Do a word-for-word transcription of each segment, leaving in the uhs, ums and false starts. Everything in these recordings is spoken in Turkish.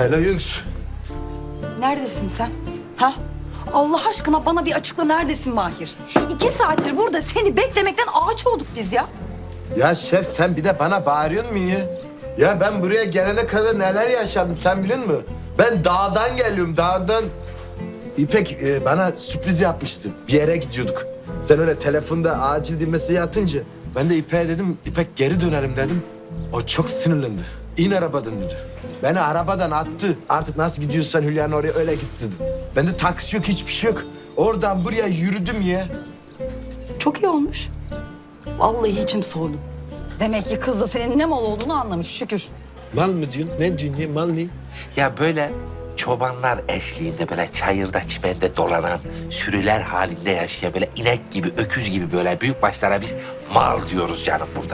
Hele Yunus. Neredesin sen? Ha? Allah aşkına bana bir açıkla, neredesin Mahir? İki saattir burada seni beklemekten ağaç olduk biz ya. Ya şef sen bir de bana bağırıyorsun mu ya? Ya ben buraya gelene kadar neler yaşadım sen biliyor musun? Ben dağdan geliyorum dağdan. İpek e, bana sürpriz yapmıştı. Bir yere gidiyorduk. Sen öyle telefonda acil bir mesaj atınca ben de İpek'e dedim İpek geri dönelim dedim. O çok sinirlendi. İn arabadan dedi. Beni arabadan attı. Artık nasıl gidiyorsan Hülya'nın oraya öyle git dedi. Bende taksi yok hiçbir şey yok. Oradan buraya yürüdüm ya. Çok iyi olmuş. Vallahi içim soğudu. Demek ki kız da senin ne mal olduğunu anlamış, şükür. Mal mı diyorsun? Ne diyorsun ya? Mal ne? Ya böyle çobanlar eşliğinde böyle çayırda çimende dolanan, sürüler halinde yaşayan böyle inek gibi, öküz gibi böyle büyük başlara biz mal diyoruz canım burada.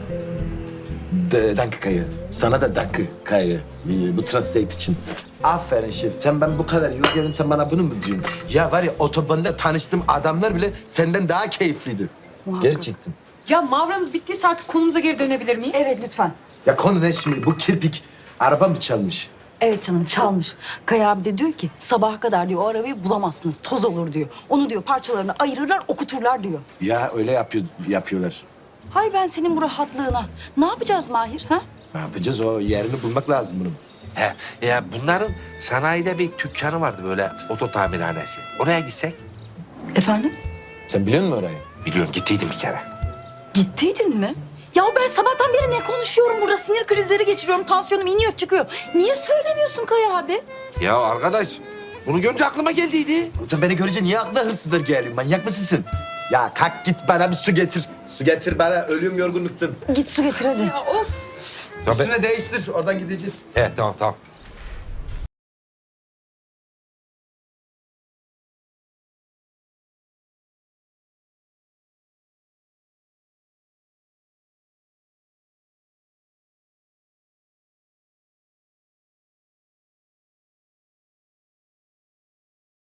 D- Danke Kaya. Sana da danke Kaya. Ee, Bu translate için. Aferin şef. Sen ben bu kadar yıl geldim sen bana bunu mu diyorsun? Ya var ya otobanda tanıştığım adamlar bile senden daha keyifliydi. Muhakkak. Gerçekten. Ya mavranız bittiyse artık konumuza geri dönebilir miyiz? Evet lütfen. Ya konu ne şimdi? Bu kirpik araba mı çalmış? Evet canım, çalmış. Kaya abi de diyor ki sabaha kadar diyor o arabayı bulamazsınız, toz olur diyor. Onu diyor parçalarına ayırırlar, okuturlar diyor. Ya öyle yapıyor, yapıyorlar. Hay ben senin bu rahatlığına. Ne yapacağız Mahir ha? Ne yapacağız? O yerini bulmak lazım bunun. He, ya bunların sanayide bir dükkanı vardı böyle oto tamirhanesi. Oraya gitsek. Efendim? Sen biliyor musun orayı? Biliyorum gittiydim bir kere. Gittiydin mi? Ya ben sabahtan beri ne konuşuyorum burada? Sinir krizleri geçiriyorum, tansiyonum iniyor çıkıyor. Niye söylemiyorsun Kaya abi? Ya arkadaş bunu görünce aklıma geldiydi. Sen beni görünce niye aklına hırsızlar geliyor? Manyak mısın sen? Ya kalk git bana bir su getir. Su getir bana. Ölüyorum yorgunluktan. Git su getir hadi. Ya of. Ya ben- Üstüne değiştir. Oradan gideceğiz. Evet tamam tamam.